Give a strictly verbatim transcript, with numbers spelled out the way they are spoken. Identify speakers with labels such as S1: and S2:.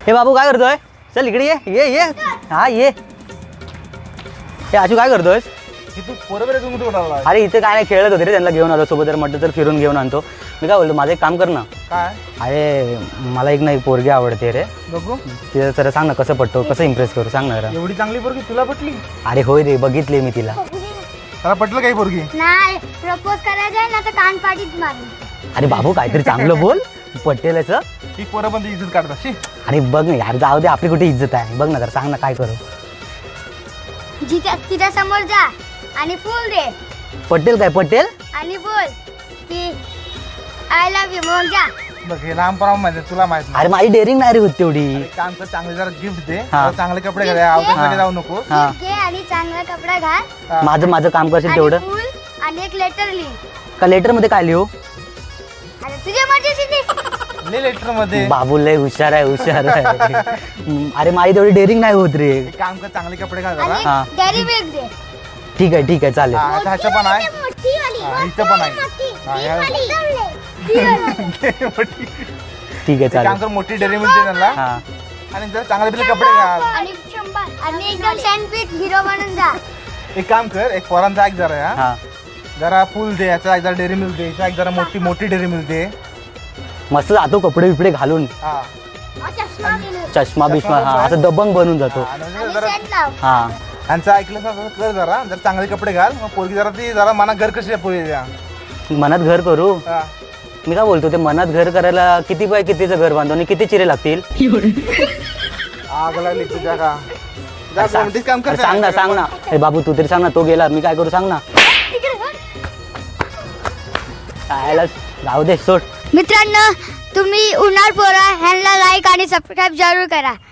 S1: हे बाबू काय करतोय? चल इकडे ये ये ये हा ये. हे आजू काय करतोय?
S2: तू बरोबर आहे. तू कुठे
S1: अरे इथे काय नाही खेळत होते रे, त्यांना घेऊन आलो सोबत. जर म्हटलं तर फिरून घेऊन आणतो. मी काय बोलतो, माझं एक काम कर ना.
S2: काय?
S1: अरे मला एक ना एक पोरगी आवडते रे.
S2: बघू
S1: तिला जरा सांग ना कसं पटतो, कसं इम्प्रेस करू सांग ना जरा.
S2: एवढी चांगली पोरगी तुला पटली?
S1: अरे होय रे, बघितली मी तिला.
S2: मला पटलं काही पोरगी
S3: नाही. प्रपोज करायचं ना तर कान पाडीत मारू.
S1: अरे बाबू काहीतरी चांगलं बोल, पटेल असं.
S2: ही पोरं पण इज्जत काढतात. शी
S1: अरे बघ ना यार, जाऊ दे, आपली कुठे इज्जत आहे. बघ ना जरा सांग ना काय करू.
S3: जिथे तिच्या समोर जा आणि फुल दे
S1: पटेल काय पटेल?
S3: आणि बोल की आय लव्ह यू. मग जा.
S2: बघ हे लहानपणा माहिती आहे, तुला माहित नाही.
S1: अरे माझी डेअरिंग नाही रे होत तेवढी.
S2: एक काम कर, चांगले जरा गिफ्ट दे.
S1: हा.
S2: जरा चांगले कपडे घाल.
S3: Gift
S2: आउट
S3: दे.
S2: मध्ये जाऊ नको.
S1: हा.
S3: घे आणि चांगला कपडा घाल
S2: हा.
S1: माझं माझं काम करशील
S3: आणि
S1: तेवढं.
S3: फुल आणि एक लेटर लिह.
S1: का लेटर मध्ये काय लिहू?
S3: अरे तुझ्या मर्जीची लिह.
S2: ले लेटर मध्ये.
S1: बाबू लय हुशार आहे, हुशार आहे. अरे माझी तेवढी डेअरिंग नाही होत रे.
S2: एक काम कर, चांगले कपडे घाल जरा.
S1: हा.
S3: आणि डेअरी मिल्क दे.
S1: ठीक आहे ठीक आहे चालेल.
S2: हा, आता ह्याचं पण आहे.
S3: मोठी वाली.
S2: हा, इथं पण आहे. हा, या- मोठी.
S1: ठीक आहे
S2: एक काम
S1: चालेल.
S2: कर, मोठी डेअरी मिल्क दे त्यांना.
S1: हा
S2: आणि जरा चांगले बिले कपडे घाल.
S3: आणि शंभर आणि एकदम सँडविच हिरो बनून जा.
S2: एक काम कर, एक पोरांचा ऐक जरा. या
S1: हा
S2: जरा फुल दे, याचा एक जरा डेअरी मिल्क दे, याचा एक जरा मोठी मोठी डेअरी मिल्क दे.
S1: मस्त जातो कपडे बिपडे घालून,
S2: हा
S3: चष्मा दिले.
S1: चष्मा बिष्मा हा असं दबंग बनून जातो.
S2: हा, आणि
S3: आणि
S2: जरा
S3: सेंट लाव.
S1: हा
S2: यांचं ऐकलं असं कर जरा. जर चांगले कपडे घाल. मग पोरगी जरा ती जरा मना घर कशी आहे पोरी द्या.
S1: मनात घर करू.
S2: हा.
S1: मी काय बोलतो, ते मनात घर करायला किती बाय कितीचं घर बांधतो आणि किती चिरे लागतील?
S2: आग लागली तुझ्या का. जा
S1: सांग
S2: कोणतीच काम कर.
S1: अरे सांग ना सांग ना. अरे बाबू तू तरी सांग ना, तो गेला मी काय करू सांग ना. काय जाऊ दे सोड.
S3: मित्रांनो, तुम्ही उन्हाळ पोरा ह्यांना लाईक आणि सबस्क्राईब जरूर करा.